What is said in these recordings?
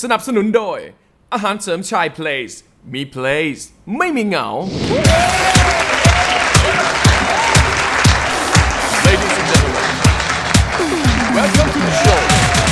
สนับสนุนโดยอาหารเสริมชาย Place มี Place ไม่มีเหงา Ladies and gentlemen welcome to the show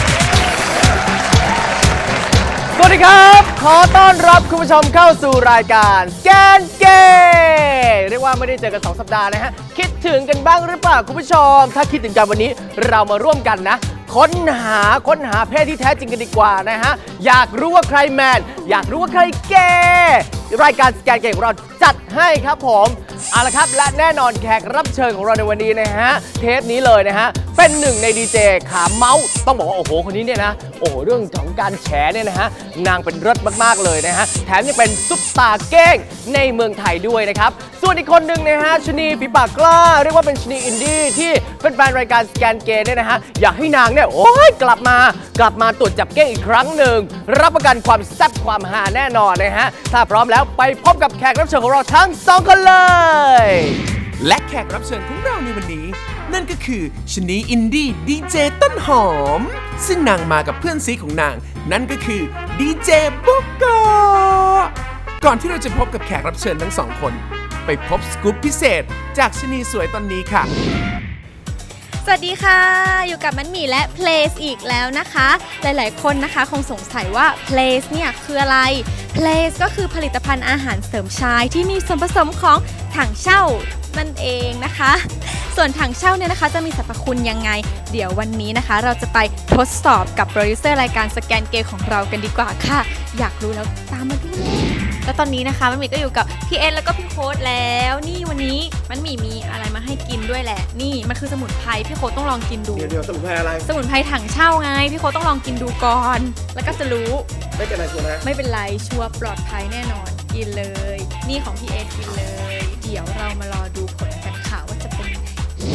สวัสดีครับขอต้อนรับคุณผู้ชมเข้าสู่รายการแกนเกย์เรียกว่าไม่ได้เจอกัน2 สัปดาห์นะฮะคิดถึงกันบ้างหรือเปล่าคุณผู้ชมถ้าคิดถึงกันวันนี้เรามาร่วมกันนะค้นหาเพศที่แท้จริงกันดีกว่านะฮะอยากรู้ว่าใครแมนอยากรู้ว่าใครเกย์รายการสแกนเกย์ของเราจัดให้ครับผมเอาละครับและแน่นอนแขกรับเชิญของเราในวันนี้นะฮะเทปนี้เลยนะฮะเป็นหนึ่งในดีเจขาเมาส์ต้องบอกว่าโอ้โหคนนี้เนี่ยนะโอ้โหเรื่องของการแฉเนี่ยนะฮะนางเป็นเลิศมากๆเลยนะฮะแถมยังเป็นซุปตาร์เก้งในเมืองไทยด้วยนะครับส่วนอีกคนหนึ่งนะฮะชนีฝีปากกล้าเรียกว่าเป็นชนีอินดี้ที่เป็นแฟนรายการสแกนเกย์เนี่ยนะฮะอยากให้นางเนี่ยโอ้ยกลับมาตรวจจับเก้งอีกครั้งหนึ่งรับประกันความแซ่บความฮาแน่นอนนะฮะถ้าพร้อมแล้วไปพบกับแขกรับเชิญของเราทั้ง2 คนเลยและแขกรับเชิญของเราในวันนี้นั่นก็คือชนีอินดี้ดีเจต้นหอมซึ่งนางมากับเพื่อนซีของนางนั่นก็คือดีเจบุกโกก่อนที่เราจะพบกับแขกรับเชิญทั้ง2 คนไปพบสกู๊ปพิเศษจากชนีสวยตอนนี้ค่ะสวัสดีค่ะอยู่กับมันหมี่และ Place อีกแล้วนะคะหลายๆคนนะคะคงสงสัยว่า Place เนี่ยคืออะไร Place ก็คือผลิตภัณฑ์อาหารเสริมชายที่มีส่วนผสมของถังเช่านั่นเองนะคะส่วนถังเช่าเนี่ยนะคะจะมีสรรพคุณยังไงเดี๋ยววันนี้นะคะเราจะไปทดสอบกับโปรดิวเซอร์รายการสแกนเกย์ของเรากันดีกว่าค่ะอยากรู้แล้วตามมาดูเลยแล้วตอนนี้นะคะมันหมี่ก็อยู่กับพี่เอ็นแล้วก็พี่โค้ดแล้วนี่วันนี้มันหมี่มีอะไรมาให้กินด้วยแหละนี่มันคือสมุนไพรพี่โค้ดต้องลองกินดูเดี๋ยวสมุนไพรอะไรสมุนไพรถังเช่าไงพี่โค้ดต้องลองกินดูก่อนแล้วก็จะรู้ไม่เป็นไรชัวร์นะไม่เป็นไรชัวร์ปลอดภัยแน่นอนกินเลยนี่ของพี่เอ็นกินเลยเดี๋ยวเรามารอดูผลกันค่ะว่าจะเป็นยังไง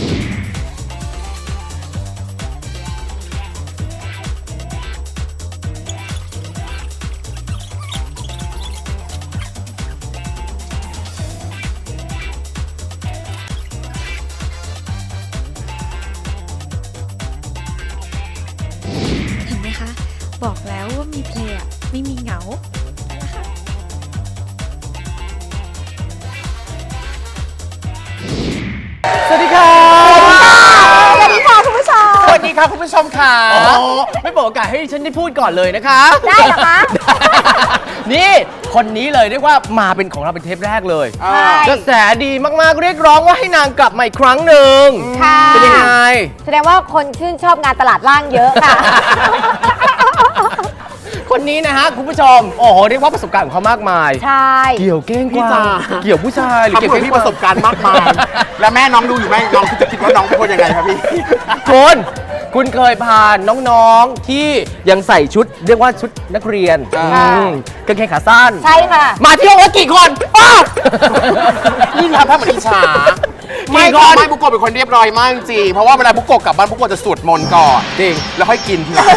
บอกแล้วว่ามีเพลย์ไม่มีเหงาสวัสดีค่ะสวัสดีค่ะคุณผู้ชมสวัสดีค่ะคุณผู้ชมค่ะไม่บอกโอกาสให้ฉันได้พูดก่อนเลยนะคะได้เหรอคะนี่คนนี้เลยเรียกว่ามาเป็นของเราเป็นเทปแรกเลยกระแสดีมากๆเรียกร้องว่าให้นางกลับมาอีกครั้งหนึ่งเป็นยังไงแสดงว่าคนชื่นชอบงานตลาดล่างเยอะค่ะคนนี้นะฮะคุณผู้ชมโอ้โหเรียกว่าประสบการณ์ของเขามากมายใช่เกี่ยวเก้งกวางเกี่ยวผู้ชายหรือเกี่ยวพี่ประสบการณ์มากมายแล้วแม่น้องดูอยู่ไหมน้องจะคิดว่าน้องเป็นคนยังไงครับพี่คุณเคยพาน้องๆที่ยังใส่ชุดเรียกว่าชุดนักเรียนกางเกงขาสั้นใช่ค่ะมาเที่ยวกันกี่คนนี่ทำท่าเหมือนอิจฉาไม่บุกโกะเป็นคนเรียบร้อยมากจริงเพราะว่าเวลาบุกโกะกลับบ้านบุกโกะจะสวดมนต์ก่อนจริงแล้วค่อยกินทีหลัง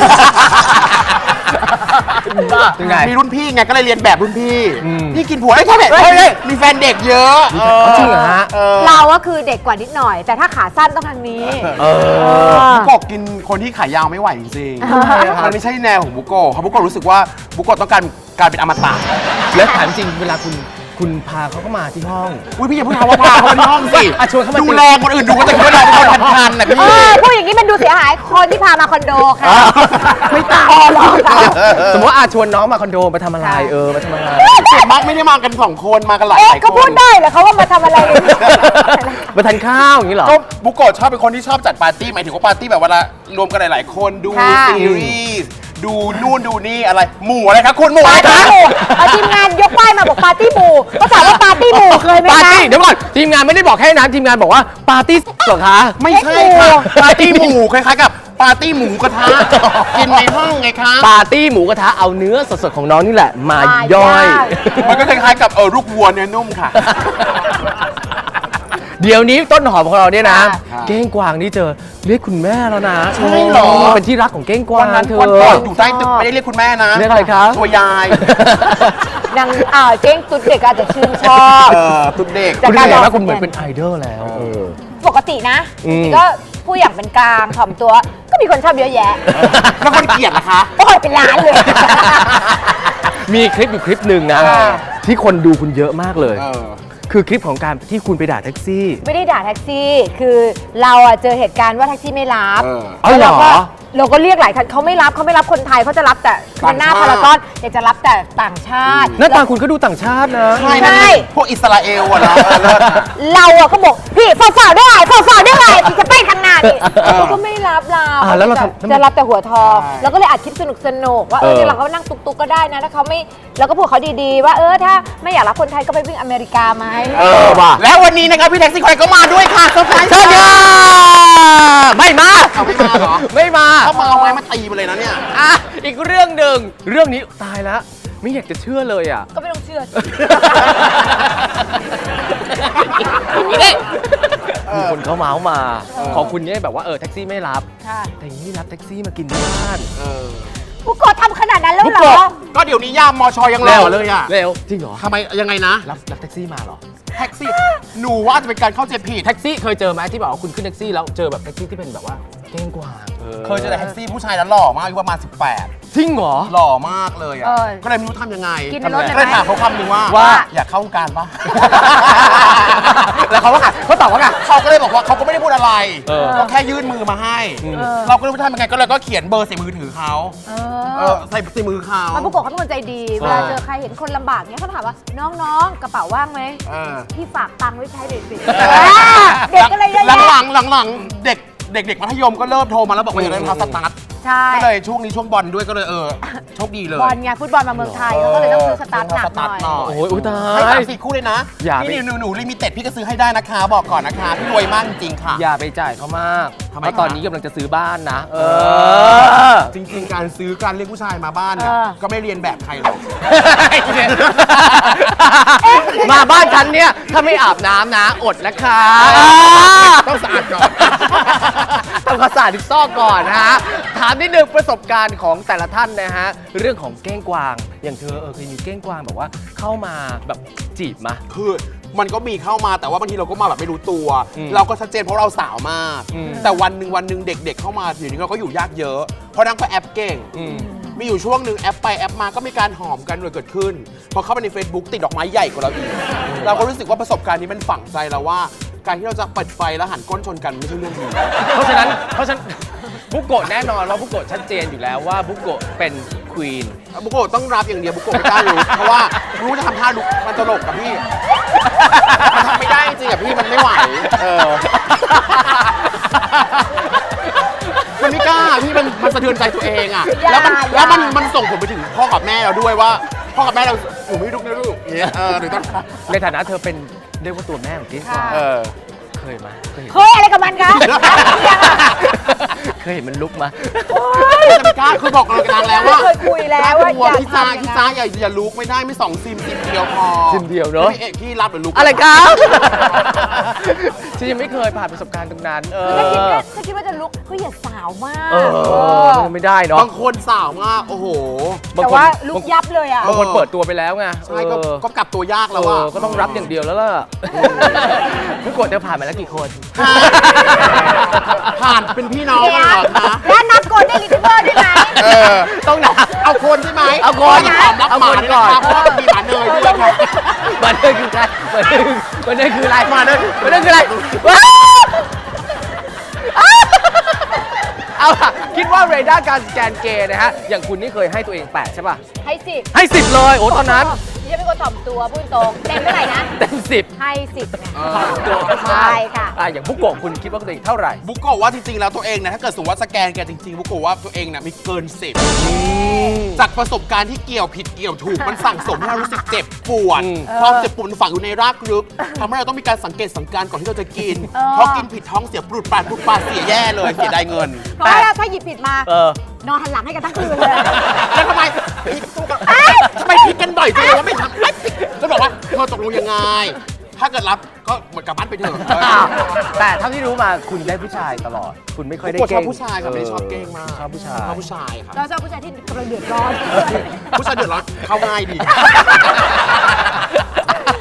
มีรุ่นพี่ไงก็เลยเรียนแบบรุ่นพี่กินผัวไอ้แค่แบบมีแฟนเด็กเยอะจริงเหรอฮะเราก็คือเด็กกว่านิดหน่อยแต่ถ้าขาสั้นต้องทางนี้บุกโกะกินคนที่ขายาวไม่ไหวจริงๆมันไม่ใช่แนวของบุกโกะเขาบุกโกะรู้สึกว่าบุกโกะต้องการเป็นอมตะและถามจริงเวลาคุณพาเขาเข้ามาที่ห้องพี่อย่าพูดคำว่าพาเขาที่ห้องสิชวนเขามาดูแลคนอื่นดูก็จะคิดว่าเราเป็นคนทันนะพี่พูดอย่างนี้มันดูเสียหายคนที่พามาคอนโดค่ะไม่ตามหรอกสมมติว่าชวนน้องมาคอนโดมาทำอะไรมาทำอะไรส่วนมากไม่ได้มากัน2 คนมากันหลายคนเขาพูดได้เหรอเขาว่ามาทำอะไรมาทานข้าวอย่างนี้เหรอก็บุกโกะชอบเป็นคนที่ชอบจัดปาร์ตี้หมายถึงว่าปาร์ตี้แบบเวลารวมกันหลายๆคนดูซีรีส์ดูนู่นดูนี่อะไรหมู่อะไรครับคุณหมู่อะไรครับทีมงานยกป้ายมาบอกปาร์ตี้หมู่ก็ถามว่าปาร์ตี้หมู่เคยไหมคะปาร์ตี้เดี๋ยวก่อนทีมงานไม่ได้บอกแค่นั้นทีมงานบอกว่าปาร์ตี้เหรอคะไม่ใช่ค่ะปาร์ตี้หมู่คล้ายๆกับปาร์ตี้หมูกระทะกินในห้องไงคะปาร์ตี้หมูกระทะเอาเนื้อสดๆของน้องนี่แหละมาย่อยมันก็คล้ายๆกับลูกวัวเนื้อนุ่มค่ะเดี๋ยวนี้ต้นหอมของเราเนี่ยนะเก้งกวางนี่เจอเรียกคุณแม่แล้วนะใช่หรอเป็นที่รักของเก้งกวางเธอวันก่อนอยู่ใต้ตึกไม่ได้เรียกคุณแม่นะเรียกอะไรครับตัวยายนางเก้งตุ๊ดเด็กอาจจะชื่นชอบตุ๊ดเด็กคุณเห็นว่าคุณเหมือนเป็นไอดอลแล้วปกตินะก็ผู้อย่างเป็นกลางถ่อมตัวก็มีคนชอบเยอะแยะแล้วคนเกลียดนะคะโอ้ยเป็นล้านเลยมีคลิปอยู่คลิปหนึ่งนะ ที่คนดูคุณเยอะมากเลยเออคือคลิปของการที่คุณไปด่าแท็กซี่ไม่ได้ด่าแท็กซี่ คือเราอะเจอเหตุการณ์ว่าแท็กซี่ไม่รับเอาเหรอเราก็เรียกหลายคันเขาไม่รับคนไทยเขาจะรับแต่คนหน้าพารากอนอยากจะรับแต่ต่างชาติหน้าตาคุณก็ดูต่างชาตินะใช่นะพวกอิสราเอลอะนะเลิศเราอะก็บอกพี่ฝ่าได้ไงฝ่าได้ไงที่จะไปทางหน้านี่เขาก็ไม่รับเราแล้วเราทำจะรับแต่หัวทองใช่แล้วก็เลยอัดคลิปสนุกว่าเนี่ยเราก็นั่งตุกๆก็ได้นะถ้าเขาไม่เราก็พูดเขาดีๆว่าถ้าไม่อยากรับคนไทยก็ไปวิ่งอเมริกาไหมว่ะแล้ววันนี้นะครับพี่แท็กซี่คอยก็มาด้วยค่ะเซอร์ไพรส์เชิญค่ะไม่มาเอาไม่มาเหรอไม่มาถ้ามาเอาไม้มาตีมาเลยนะเนี่ยอ่ะอีกเรื่องหนึ่งเรื่องนี้ตายแล้วไม่อยากจะเชื่อเลยอ่ะก็ไม่ต้องเชื่อนี่มีคนเขาเมาส์มา ของคุณเนี่ยแบบว่าแท็กซี่ไม่รับค่ะแต่อย่างนี้รับแท็กซี่มากินที่บ้านผู้กดทำขนาดนั้นแล้วเหรผู้กอดก็เดี๋ยวนี้ยามมอชอยังรอเลยอะเร็วจริงเหรอทำไมยังไงนะรับแท็กซี่มาเหรอแท็กซี่ หนูว่าจะเป็นการเข้าใจผิดแท็กซี่เคยเจอไหมที่บอกว่าคุณขึ้นแท็กซี่แล้วเจอแบบแท็กซี่ที่เป็นแบบว่าเก้งกวางเคยเจอแต่แท็กซี่ผู้ชายแล้วหล่อมากอายุประมาณจริงเหรอ 18 หล่อมากเลยอะก็เลยไม่รู้ทำยังไงกินในรถก็ได้เลยไหมถามเขาคำหนึงว่าว่าอยากเข้าวงการปะแล้วเขาว่าไงเขาตอบว่าไงเขาก็เลยบอกว่าเขาก็ไม่ได้พูดอะไรเออก็แค่ยื่นมือมาให้ เราก็เลยไม่รู้ทำยังไงก็เลยก็เขียนเบอร์ใส่มือถือเขาใส่มือเขามันผู้กดเขาเป็นคนใจดี เวลาเจอใครเห็นคนลำบากเนี้ยเขาถามว่าน้องๆกระเป๋าว่างไหม พี่ฝากตังค์ไว้ใช้เด็กสิเด็กก็เลยเยอะหลังแยะหลังๆเด็กมัธยมก็เริ่มโทรมาแล้วบอกว่าอยากได้รองเท้าสตาร์ทใช่ก็เลยช่วงนี้ช่วงบอลด้วยก็เลยโชคดีเลยบอลไงฟุตบอลมาเมืองไทยเขาก็เลยต้องซื้อสตาร์ทหนักหน่อยโอ้ยอุ๊ยตาให้ย 3-4 คู่เลยนะอย่าไปนี่หนูลิมิเต็ดพี่ก็ซื้อให้ได้นะคะ บอกก่อนนะคะ พี่รวยมากจริงๆค่ะอย่าไปจ่ายเขามากทำไมเพราะตอนนี้กำลังจะซื้อบ้านนะจริงๆ การซื้อการเรียกผู้ชายมาบ้านเนี่ยก็ไม่เรียนแบบใครหรอกมาบ้านฉันเนี่ย ถ้าไม่อาบน้ำนะอดนะคะต้องสะอาดก่อนทำความสะอาดทุกซอกก่อนนะฮะ ถามนิดนึงประสบการณ์ของแต่ละท่านนะฮะ เรื่องของเก้งกวาง อย่างเธอเคยมีเก้งกวางแบบว่าเข้ามาแบบจีบมาคือมันก็มีเข้ามาแต่ว่าบางทีเราก็มาแบบไม่รู้ตัวอืมเราก็ชัดเจนเพราะเราสาวมากอืมแต่วันหนึ่งเด็กๆเข้ามาเดี๋ยวนี้เราก็อยู่ยากเยอะ เพราะนั่งก็แอปเก่ง มีอยู่ช่วงหนึ่งแอปไปแอปมาก็มีการหอมกันเกิดขึ้น พอเข้าไปใน Facebook ติดดอกไม้ใหญ่กว่าเราอีก เราก็รู้สึกว่าประสบการณ์นี้มันฝังใจเราว่า การที่เราจะเปิดไฟแล้วหันก้นชนกันไม่ใช่เรื่องดีเพราะฉะนั้นบุกโกะแน่นอนว่าบุกโกะชัดเจนอยู่แล้วว่าบุกโกะเป็นควีนบุโกะต้องรับอย่างเดียวบุโกะไม่กล้ารู้ เพราะว่ารู้จะทำท่าลุกมันตลกกับพี่ มันทำไม่ได้จริงๆอะพี่มันไม่ไหวมันไม่กล้าพี่มันสะเทือนใจตัวเองอะแล้วมันส่งผลไปถึงพ่อกับแม่เราด้วยว่าพ่อกับแม่เราหนูไม่ลุกนะลูกอย่างเงี้ยหรือต้องในฐานะเธอเป็นเรียกว่าตัวแม่ของเก้งกวางเคยไหมเคยเห็นเคยอะไรกับมันคะเคยเห็นมันลุกมาจะไม่กล้าคือบอกเรากันแล้วว่าเคยคุยแล้วว่าตัวอย่าพี่จ้าทำอย่างนั้นพี่จ้าอย่าลุกไม่ได้ไม่2 ซิมเดียวพอซิมเดียวเนอะพี่เอกพี่รับหรือลุกอะไรครับ ฉันยังไม่เคยผ่านประสบการณ์ตรงนั้นถ้าคิดว่าจะลุกก็อย่าสาวมากมันไม่ได้เนาะบางคนสาวมากโอ้โหแต่ว่าลุกยับเลยอ่ะบางคนเปิดตัวไปแล้วไงใช่ก็กลับตัวยากแล้วอะก็ต้องรับอย่างเดียวแล้วล่ะผู้กดเธอผ่านมาแล้วกี่คนผ่านเป็นพี่น้องกันเหรอคะแล้วนับกดได้ลิทเบอร์ด้วยไหมต้องนับเอาคนใช่ไหมเอาคนขอรับเอาหมาคนด้วยก่อนนะคะเพราะว่ามีหมาเนยด้วยค่ะมันเดินคือใครมันเดินคืออะไรมาเนยมันเดินคืออะไรเอาล่ะคิดว่าเรดาร์การสแกนเกย์นะฮะ อย่างคุณนี่เคยให้ตัวเอง8ใช่ป่ะให้สิบให้10เลยโอ้ตอนนั้นดิฉันเป็นคนถ่อมตัวพูดตรงเต็มเท่าไหร่นะเต็ม10 ให้สิบไงตัวใช่ค่ะอย่างบุกโกะคุณคิดว่าตัวเองเท่าไหร่บุกโกะว่าจริงๆแล้วตัวเองนะถ้าเกิดสมมติว่าสแกนแกจริงๆบุกโกะว่าตัวเองเนี่ยมีเกิน10จากประสบการณ์ที่เกี่ยวผิดเกี่ยวถูกมันสั่งสมให้เรารู้สึกเจ็บปวดความเจ็บปวดมันฝังอยู่ในรากลึกทำให้เราต้องมีการสังเกตสังการก่อนที่เราจะกินเพราะกินผิดท้องเสียปลุดปาดเสียแย่เลยเสียดายเงินเพราะว่าถ้าหยิบผิดมา นอนหันหลังให้กันทั้งคืนเลยแล้วทำไมพลิกสู้กันทำไมพลิกกันบ่อยจังเลยว่าไม่ทำไม่พลิกก็บอกว่าเธอตกลงยังไง ถ้าเกิดรับก็หมดกลับบ้านไปเถอะแต่เท่าที่รู้มาคุณได้ผู้ชายตลอด คุณไม่ค่อยได้ชเก้อบงผู้ชายครับไม่ได้ชอบเก้งมากชอบผู้ชายชอบผู้ชายครับเราชอบผู้ชายที่กำลังเดือดร้อนผู้ชายเดือดร้อนเข้าง่ายดี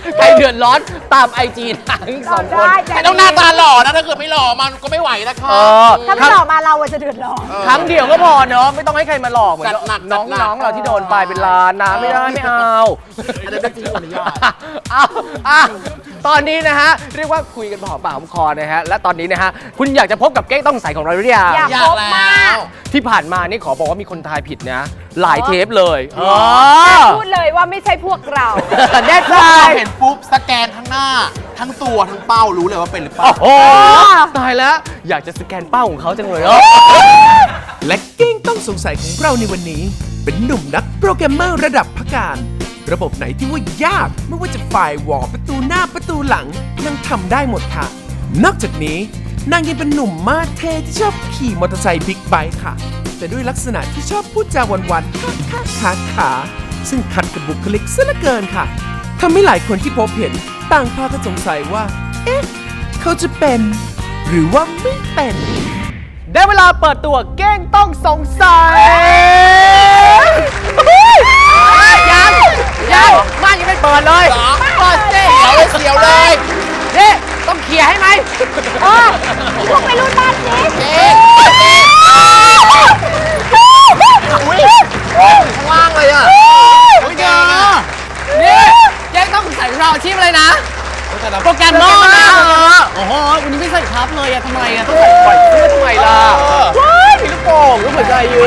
ใครเดือดร้อนตาม IG ทั้งสองคนแต่ต้องหน้าตาหล่อนะถ้าเกิดไม่หล่อมันก็ไม่ไหวนะคะถ้าไม่หลอกมาเราอะจะเดือดร้อนครั้งเดียวก็พอเนาะไม่ต้องให้ใครมาหลอกเหมือนจัดหนักน้องๆเราที่โดนไปเป็นล้านนะไม่ได้ไม่เอาอันนั้นเป็นจริงอนุญาตเอาตอนนี้นะฮะเรียกว่าคุยกันพอปากหอมคอนะฮะและตอนนี้นะฮะคุณอยากจะพบกับเก้งต้องใส่ของเราหรือยังอยากอยาพกบแล้มากวที่ผ่านมานี่ขอบอกว่ามีคนทายผิดนะ หลายเทปเลยพูดเลยว่าไม่ใช่พวกเราแน่ใจพอเห็นปุ๊บสแกนทั้งหน้า ทั้งตัวทั้งเป้ารู้เลยว่าเป็นหรือเปล่าโอ้โหตายแล้วอยากจะสแกนเป้าของเขาจังเลยเนาะและเก้งต้องสงสัยของเราในวันนี้ เป็นหนุ่มนักโปรแกรมเมอร์ระดับพักการ ระบบไหนที่ว่ายากไม่ว่าจะฝ่ายวอลประตูหน้าประตูหลังนางทำได้หมดค่ะ นอกจากนี้นางยังเป็นหนุ่มมาสเท่ที่ชอบขี่มอเตอร์ไซค์บิ๊กไบค์ค่ะ แต่ด้วยลักษณะที่ชอบพูดจาวันๆขาซึ่งขัดกับบุคลิกซะเหลือเกินค่ะทำให้หลายคนที่พบเห็นต่างพากันสงสัยว่า เอ๊ะ เขาจะเป็น หรือว่าไม่เป็นได้เวลาเปิดตัวเก้งต้องสงสัยยังม่านยังไม่เปิดเลยเปิดเสียวเลยนี่ต้องเคลียร์ให้ไหมพวกไม่รู้บ้านสิอุ้ยข้างล่างเลยอ่ะอุ้ยเจอนี่เก้งต้องสงสัยของเราอาชีพอะไรนะโปรแกรมเมอร์นะโอ้โหวันนี้ไม่ใส่ทับเลยอะทำไมอะต้องใส่ปล่อยเสื้อทำไมล่ะว้ายมีลูกโป่งลูกหัวใจอยู่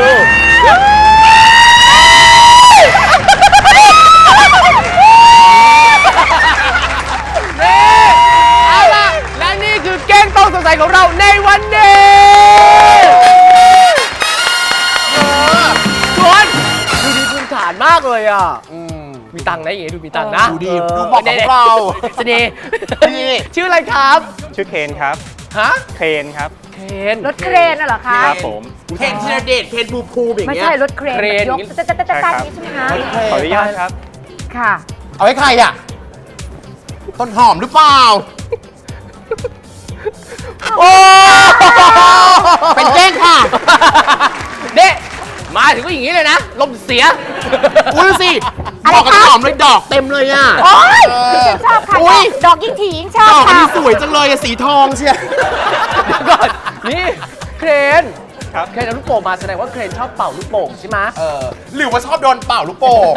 เอาล่ะและนี่คือเก้งต้องสงสัยของเราในวันนี้ชวนดูดีพื้นฐานมากเลยอ่ะมีตังค์นะอย่างงี้ดูมีตังค์นะดูดีดูเหมาะกับเราสนีนี่ชื่ออะไรครับชื่อเคนครับฮะเคนครับเคนรถเครนน่ะเหรอคะครับผมเคนธีรเดชเคนภูมิอย่างไม่เงี้ยใช่รถเครนเครนยกจะอย่างนี้ใช่ไหมคะขออนุญาตครับค่ะเอาให้ใครอ่ะ ต้นหอมหรือเปล่าโอ้เป็นแกล้งค่ะเด็มาถึงก็อย่างนี้เลยนะ ลมเสียอุ้ยสิบอกกับต้นหอมเลยดอกเต็มเลยอ่ะโอ๊ยเออดิฉันชอบค่ะอุ๊ยดอกยิ่งถี่ยิ่งชอบดอกอันค่ะนี้สวยจังเลยอะสีทองเชียเดี๋ยวก่อน นี่เครนครับเครนเอาลูกโป่งมาแสดงว่าเครนชอบเป่าลูกโป่งใช่ไหมหรือว่าชอบโดนเป่าลูกโป่ง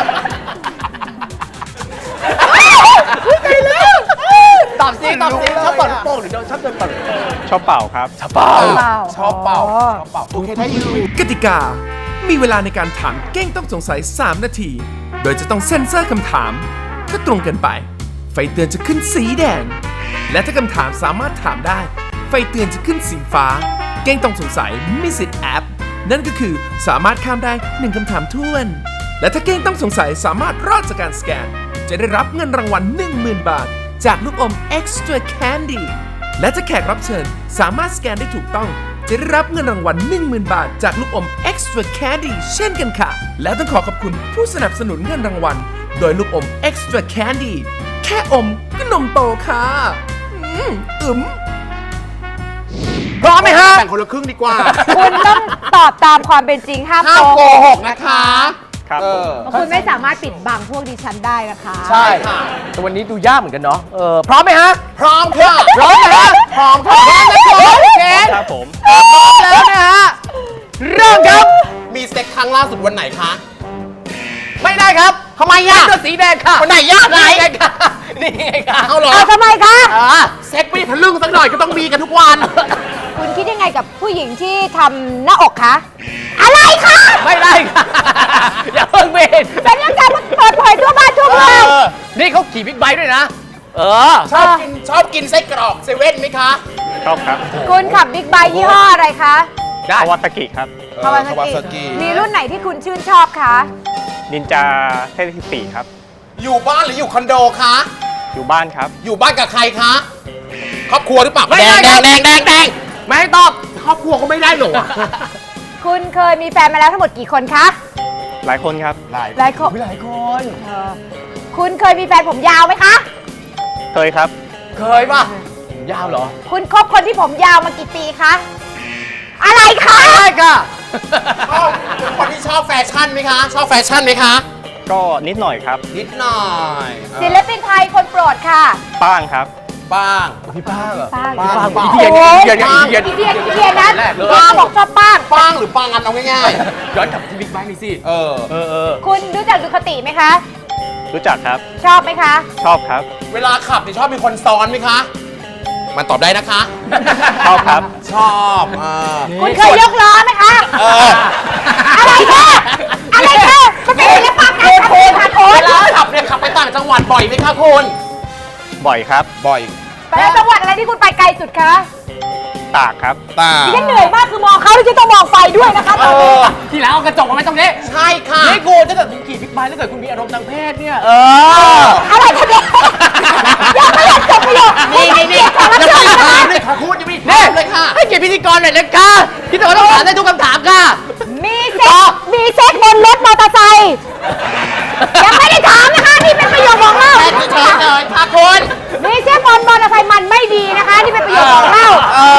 ตอบสิตอบสิชอบเป่าลูกโป่งหรือชอบโดนเป่าลูกโป่งชอบเป่าครับชอบเป่าชอบเป่าโอเคได้อยู่กติกา มีเวลาในการถามเก้งต้องสงสัย 3 นาที โดยจะต้องเซ็นเซอร์คำถาม ถ้าตรงเกินไป ไฟเตือนจะขึ้นสีแดง และถ้าคำถามสามารถถามได้ ไฟเตือนจะขึ้นสีฟ้า เก้งต้องสงสัยมีสิทธิ์แอป นั่นก็คือสามารถข้ามได้ 1คำถามท้วน และถ้าเก้งต้องสงสัยสามารถรอดจากการสแกน จะได้รับเงินรางวัล 10,000 บาท จากลูกอม Extra Candy และถ้าแขกรับเชิญสามารถสแกนได้ถูกต้อง จะได้รับเงินรางวัล 10,000 บาท จากลูกอม Extra Candy เช่นกันค่ะ และต้องขอบคุณผู้สนับสนุนเงินรางวัล โดยลูกอม Extra Candy แค่อมก็นมโตค่ะอึมพร้อมไหมฮะแบ่งคนละครึ่งดีกว่าคุณต้องตอบตามความเป็นจริงห้ามห้ามโกโกหหกกนะคะครับผมเพราะคุณไม่สามารถปิดบังพวกดิฉันได้นะคะใช่แต่วันนี้ดูยากเหมือนกันเนาะพร้อมไหมฮะพร้อมค่ะพร้อมนะฮะพร้อมค่ะเคนครับผมแล้วนะฮะ เริ่มครับมีเซ็กครั้งล่าสุดวันไหนคะไม่ได้ครับทำไมอ่ะเสื้อสีแดงค่ะวันไหนยากไหนนี่ไงค่ะนี่ไงค่ะเอาเหรอเอาทำไมคะเซ็กไม่ทะลึ่งสักหน่อยก็ต้องมีกันทุกวันคุณคิดยังไงกับผู้หญิงที่ทำหน้าอกคะ อะไรคะไม่ได้ค่ะ อย่าเพิ่งเบนเป็นเรื่องการเปิดเผยทั่วบ้านทั่วเมืองนี่เขาขี่บิ๊กไบค์ด้วยนะชอบกินไส้กรอกเซเว่นไหมคะชอบครับคุณขับบิ๊กไบค์ยี่ห้ออะไรคะได้คาวาซากิครับคาวาซากิมีรุ่นไหนที่คุณชื่นชอบคะนินจาเทพ14ครับอยู่บ้านหรืออยู่คอนโดคะอยู่บ้านครับอยู่บ้านกับใครคะ ครอบครัวหรือเปล่าไม่แดได้งครับแดงไม่ให้ตอบครอบครัวก็ไม่ได้หรอคุณเคยมีแฟนมาแล้วทั้งหมดกี่คนคะหลายคนครับหลายคนหลายคนคุณเคยมีแฟนผมยาวไหมคะเคยครับเคยป่ะ ยาวเหรอคุณคบคนที่ผมยาวมากี่ปีคะ อะไรคะได้ค่ะชอบคนที่ชอบแฟชั่นไหมคะ ชอบแฟชั่นไหมคะก็นิดหน่อยครับนิดหน่อยศิลปินไทยคนโปรดค่ะป้างครับป้างพี่ป้างเหรอป้างป้างป้างเทียนโอ้ยเทียนอีเทียนนั้นป้าบอกชอบป้างป้างหรือป้างอันเอาง่ายย้อนกลับที่บิ๊กไบค์นี่สิๆเออคุณรู้จักดูคติไหมคะรู้จักครับชอบไหมคะชอบครับเวลาขับเนี่ยชอบมีคนซ้อนไหมคะ มันตอบได้นะคะชอบครับชอบคุณเคยยกล้อไหมคะเอออะไรคะอะไรคะมันเป็นศิลปะการขับขี่ค่ะคุณเวลาขับเนี่ยขับไปต่างจังหวัดบ่อยไหมคะคุณบ่อยครับบ่อยไปแล้วจังหวัดอะไรที่คุณไปไกลสุดคะตากครับตาดิฉันเหนื่อยมากคือมองเขาแล้วฉันต้องมองไฟด้วยนะคะตอนนี้ทีหลังเอากระจกมาไว้ตรงนี้ใช่ค่ะนี่กูถ้าเกิดคุณขี่บิ๊กไบค์ถ้าเกิดคุณมีอารมณ์ทางเพศเนี่ยอะไรคะเนี่ยยังไม่อยากจบประโยคนี่ยังไม่ถามเลยค่ะคุณยังไม่ถามเลยค่ะให้เกียรติพิธีกรหน่อยนะคะพิธีกรต้องถามได้ทุกคำถามค่ะมีเซ็กบนรถมอเตอร์ไซค์ยังไม่ได้ถามนะคะนี่เป็นประโยคบอกเล่าเฉยๆเลยค่ะคุณมีเซ็กบนมอเตอร์ไซค์มันไม่ดีนะคะนี่เป็นประโยคบอกเล่า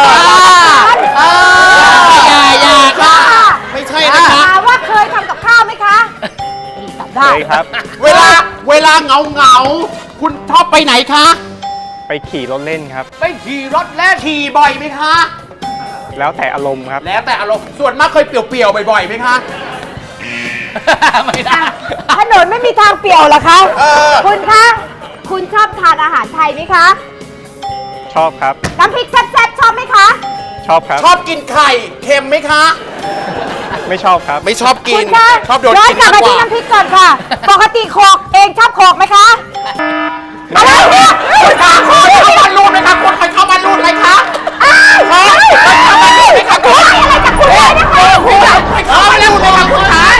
อย่าค่ะ ไม่ใช่นะคะถามว่าเคยทำกับข้าวไหมคะตอบได้เคยครับเวลาเหงาคุณชอบไปไหนคะไปขี่รถเล่นครับไปขี่รถเล่นขี่บ่อยไหมคะแล้วแต่อารมณ์ครับแล้วแต่อารมณ์ส่วนมากเคยเปลี่ยวๆบ่อยๆไหมคะไม่ได้ถนนไม่มีทางเปี่ยวเหรอคะ คุณคะ คุณชอบทานอาหารไทยไหมคะชอบครับน้ำพริกแซ่บๆชอบไหมคะชอบครับชอบกินไข่เค็มไหมคะไม่ชอบครับไม่ชอบกิคุนณคะชอบโดนย้อนกินกลับมากมากว่าที่น้ำพริกก่อนค่ะ ปกติโขกเองชอบโขกไหมคะ อะไรเนี่ยคุณคะคุณเข้าบ้านรูดไหมคะคุณเคยเข้าบ้านรูดไหมคะเข้าบ้านรูดไหมคะคุณอะไรจากคุณเลยนะคะเคยเข้าบ้านรูดไหมคะคุณชาย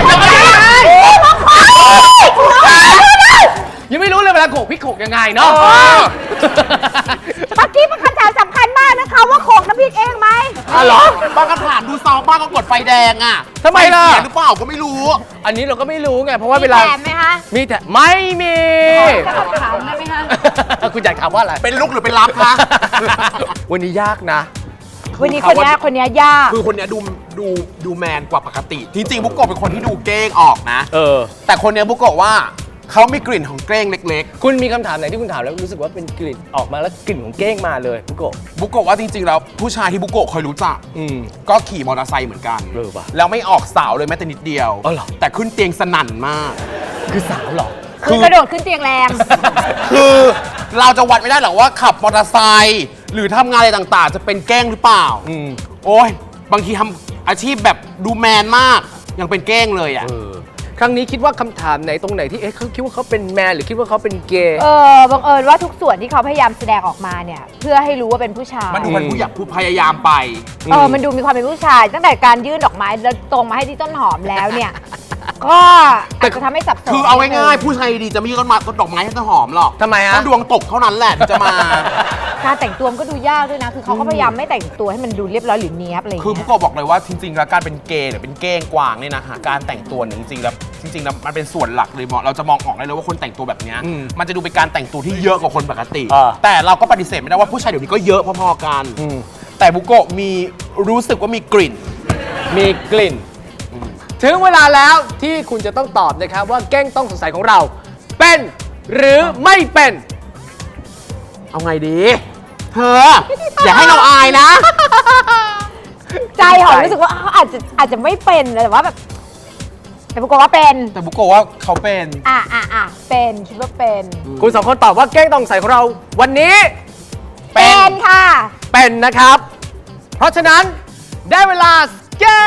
ยังไม่รู้เลยเวลาโขกพริกโขกยังไงเนาะเมื่อกี้เป็นคำถามสำคัญมากนะคะว่าโขกน้ำพริกเองไหมเหรอบางคำถามดูซองบ้างก็กดไฟแดงอ่ะทำไมล่ะเสียหรือเปล่าก็ไม่รู้อันนี้เราก็ไม่รู้ไงเพราะว่าเวลาแถมไหมคะมีแต่ไม่มีจะถามได้ไหมคะคุณอยากถามว่าอะไรเป็นลุกหรือเป็นรับคะวันนี้ยากนะวันนี้คนนี้ยากคือคนเนี้ยดูแมนกว่าปกติ จริงๆบุกโกะเป็นคนที่ดูเก้งออกนะ แต่คนเนี้ยบุกโกะว่าเขามีกลิ่นของเก้งเล็กคุณมีคำถามไหนที่คุณถามแล้วรู้สึกว่าเป็นกลิ่นออกมาแล้วกลิ่นของเก้งมาเลยพุโกะๆบุกโกะว่าจริงๆแล้วผู้ชายที่บุกโกะเคยรู้จัก ก็ขี่มอเตอร์ไซค์เหมือนกันเออว่ะแล้วไม่ออกสาวเลยแม้แต่นิดเดียวอ๋อเหรอแต่ขึ้นเตียงสนั่นมากคือสาวเหรอคือกระโดดขึ้นเตียงแรงคือเราจะวัดไม่ได้หรอกว่าขับมอเตอร์ไซค์หรือทำงานอะไรต่างๆ จะเป็นแกล้งหรือเปล่า โอ้ยบางทีทำอาชีพแบบดูแมนมากยังเป็นแกล้งเลยอ่ะครั้งนี้คิดว่าคำถามไหนตรงไหนที่เขาคิดว่าเขาเป็นแมนหรือคิดว่าเขาเป็นเกย์บังเอิญว่าทุกส่วนที่เขาพยายามแสดงออกมาเนี่ย เพื่อให้รู้ว่าเป็นผู้ชายมันดูเป็นผู้อยากผู้พยายามไปมันดูมีความเป็นผู้ชาย ตั้งแต่การยื่นดอกไม้แล้วตรงมาให้ที่ต้นหอมแล้วเนี่ย ก็อาจจะทำให้สับสนคือเอาง่ายๆผู้ชายดีๆจะไม่ยื่นต้นดอกไม้ให้ต้นหอมหรอกทำไมฮะต้องดวงตกเท่านั้นแหละถึงจะมาการแต่งตัวมันก็ดูยากด้วยนะ คือเขาก็พยายามไม่แต่งตัวให้มันดูเรียบร้อยหรือเนี้ยบอะไรอย่างคือเงี้ผู้ยกบอกเลยว่าจริงๆแล้วการเป็นเกย์หรือเป็นเก้งกวางเนี่ยนะฮะการแต่งตัวเนี่ยจริงๆแล้วมันเป็นส่วนหลักเลยเราจะมองออกได้เลยว่าคนแต่งตัวแบบเนี้ยมันจะดูเป็นการแต่งตัวที่เยอะกว่าคนปกติ แต่เราก็ปฏิเสธไม่ได้ว่าผู้ชายเดี๋ยวนี้ก็เยอะพอๆกันแต่บุโกะมีรู้สึกว่ามีกลิ่นมีกลิ่น ถึงเวลาแล้วที่คุณจะต้องตอบนะครับว่าแก้งต้องสงสัยของเรา เป็นหรือไม่เป็นเอาไงดี เธอ อย่าให้เราอายนะใจหอมรู้สึกว่าเขาอาจจะไม่เป็นแต่ว่าแบบแต่ปรากฏว่าเป็นแต่บุโกะว่าเขาเป็นเป็นคิดว่าเป็นคุณสองคนตอบว่าแก้งต้องสงสัยของเรา วันนี้เป็นค่ะเป็นนะครับ เพราะฉะนั้นได้เวลาแก้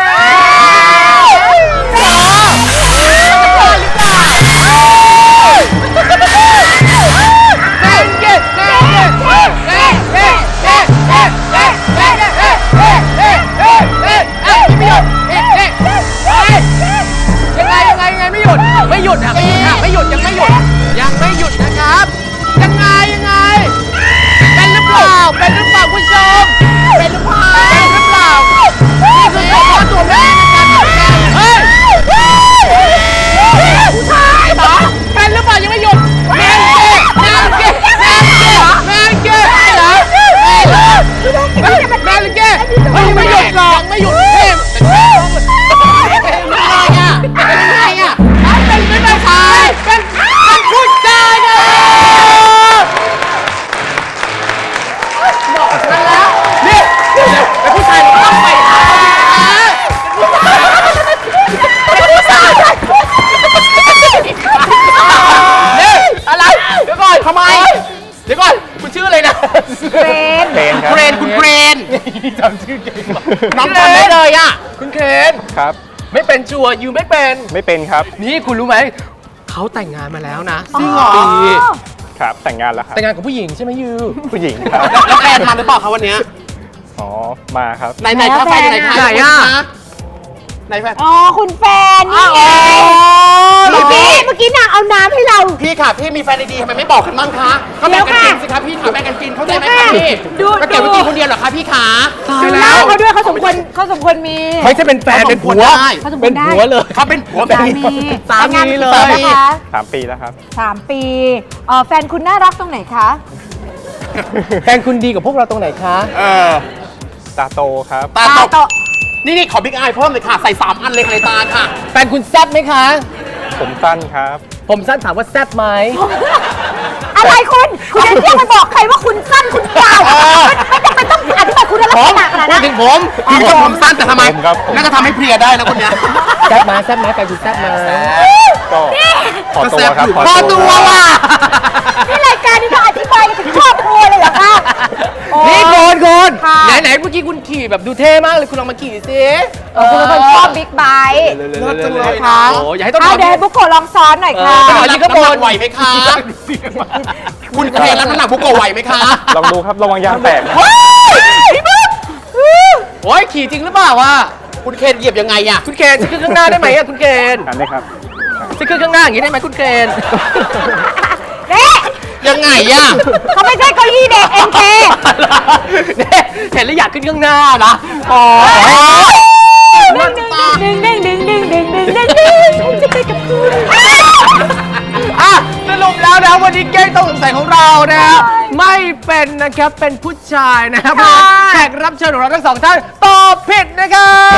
ไม่หยุดยังไม่หยุดนะครับยังไงเป็นหรือเปล่าคุณผู้ชมเป็นหรือเปล่านี่คือตัวแม่ในการทำงานเฮ้ยผู้ชายเหรอเป็นหรือเปล่ายังไม่หยุดแมนเกย์เหรอแมนเกย์ยังไม่หยุดหรอกไม่หยุดเทมเป็นเดี๋ยวก่อนคุณชื่ออะไรนะเฟรนเพลนครับเกรนคุณเกรนจำชื่อเก่งว่ะน้องจำได้เลยอ่ะคุณเคนครับไม่เป็นชัวร์ยูไม่เป็นไม่เป็นครับนี่คุณรู้ไหมเขาแต่งงานมาแล้วนะจริงเหรอปีครับ แต่งงานแล้วครับแต่งงานกับผู้หญิงใช่ไหมยูผู้หญิงครับแล้วแฟนมาหรือเปล่าคะวันเนี้ยอ๋อ มาครับไหนคะแฟนอยู่ไหนคะไหนอ่ะไหนแฟนอ๋อคุณแฟนนี่ไงเมื่อกี้นางเอาน้ำให้เราพี่ค่ะพี่มีแฟนดีๆทำไมไม่บอกกันบ้างคะก็แบ่งกันกินสิคะพี่ค่ะแบ่งกันกินเข้าใจไหมคะพี่ดูก็เก็บไว้กินคนเดียวเหรอคะพี่ขาดูหน้าเขาด้วยเขาสมควรมีไม่ใช่เป็นแฟนเป็นผัวได้เขาสมควรเป็นได้ผัวเลยเขาเป็นผัวสามีสามีเลยแต่งงานมากี่ปีนะคะ 3 ปีแล้วครับ 3 ปีแฟนคุณน่ารักตรงไหนคะแฟนคุณดีกับพวกเราตรงไหนคะเออตาโตครับตาตกนี่ขอบิ๊กไอเพิ่มเลยค่ะ ใส่3อันเลยค่ะในตาค่ะแฟนคุณแซ่บไหมคะผมสั้นครับผมสั้นถามว่าแซ่บไหมอะไรคุณจะเที่ยวไปบอกใครว่าคุณสั้นคุณยาวไม่จำเป็นต้องอธิบายคุณลักผษมณะขนาดพูนั้ดนถึงผมพี่ก็ผมสั้นแต่ทำไมผมครับผมน่าจะทำให้เพลียได้นะคนเนี้ยแซ่บไหมแซ่บไหมแฟนคุณแซ่บไหมก็ขอตัวครับพอตัวว่ะนี่รายการนี้ต้องอธิบายกันถึงครอบครัวเลยเหรอคะโอ้นี่โกนค่ะไหนเมื่อกี้คุณขี่แบบดูเท่มากเลยคุณลองมาขี่สิคุณเป็นคนชอบบิ๊กไบค์เลิศจังเลยค่ะโอ้อย่าให้ต้องเอาเดี๋ยวให้บุกโกะลองซ้อนหน่อยค่ะเออน้ำหนักไหวไหมคะ คุณเคยรับน้ำหนักบุกโกะไหวไหมคะลองดูครับ ระวังยางแตกนะโอ้ยขี่จริงหรือเปล่าวะคุณเคนเหยียบยังไงอะคุณเคนจะขึ้นข้างหน้าได้ไหมอะคุณเคนอันนี้ครับจะขึ้นข้างหน้าอย่างนี้ได้ไหมคุณเคนนี่ยังไงอะเขาไม่ใช่เก้าอี้เด็กเอ็นเคเนี่ยเห็นแล้วอยากขึ้นข้างหน้านะอ๋อดึงจะไปกับคุณอ่ะสรุปแล้วนะวันนี้เก้งต้องสงสัยของเรานะฮะไม่เป็นนะครับเป็นผู้ชายนะครับแขกรับเชิญของเราทั้งสองท่านตอบผิดนะครับ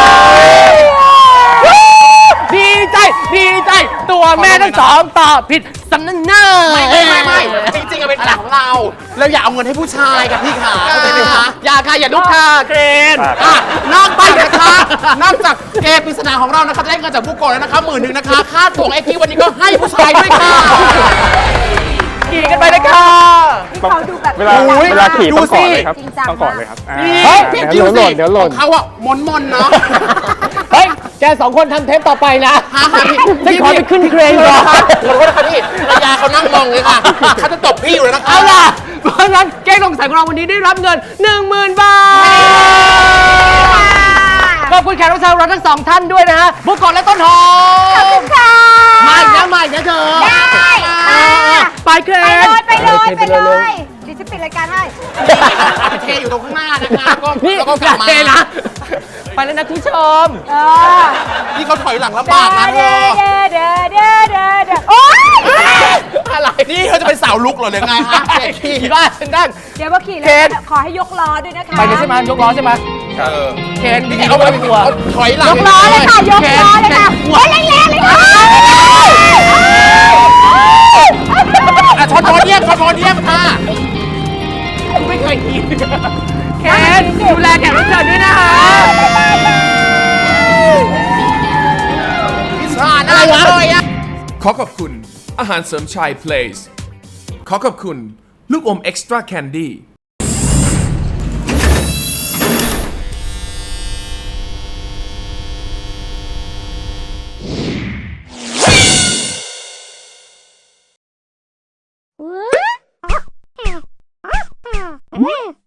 ดีใจตัวแม่ทั้งสองตอบผิดสำนักหน้าไม่จริงๆอะเป็นแผนของเราเราอยากเอาเงินให้ผู้ชายกับพี่ขาเข้าใจไหมคะอย่าค่ะอย่าลุกค่ะเกรนอ่ะนอกจากนะคะ นอกจากเกมปริศนาของเรานะคะจะได้เงินจากบุกโกะแล้วนะคะ10,000นะคะ ค่าตั๋วไอพีวันนี้ก็ให้ผู้ชายด้วยค่ะขี่กันไปเลยค่ะเขาดูแบบเวลาโอ้ยเวลาขี่ดูต้องกอดสิเลยครับจริงจังต้องกอดเลยครับอ่าเฮ้ยเดี๋ยวหล่นเดี๋ยวหล่นของเขาอะมนเนาะเฮ้ยแกสองคนทำเทปต่อไปนะฮะพี่ฉันขอไปขึ้นเครนก่อนขอโทษนะคะพี่ภรรยาเขานั่งมองเลยค่ะเขาจะตบพี่อยู่เลยนะคะเอาล่ะ เพราะฉะนั้นเก้งสงสัยของเราวันนี้ได้รับเงิน 10,000 บาท ขอบคุณแขกรับเชิญเราทั้งสองท่านด้วยนะฮะ บุกโกะและต้นหอมค่ะมาอีกนะเธอได้ค่ะไปเครนไปเลยดิฉันปิดรายการให้เทอยู่ตรงข้างหน้านะคะก็นี่แล้วก็อกลัย่าบมาเทนะ ไปแล้วนะคุณผู้ชมนี่เขาถอยหลังลำบากนะเธอโอ๊ยอะไรนี่เขาจะเป็นสาวลุกเหรอหรือไงฮะเจ๊ขี้ขี่บ้านฉันนั่งเดี๋ยวมาขี่แล้เคนวขอให้ยกล้อด้วยนะคะไปเลยใช่ไหมยกล้อใช่ไหมเออเคนนี่นี่เอาเอาไปไปตัวถอยหลังยกล้อเลยค่ะ ยกล้อเลยค่ะโอ๊ยแรงๆเลยค่ะอ่ะชนเยี่ยมค่ะไม่เคยขี่เคนดูแลแขกรับเชิญด้วยนะคะพิซาหน้าเลยอ่ะขอขอบคุณอาหารเสริมชาย Place ขอขอบคุณลูกอม Extra Candy What?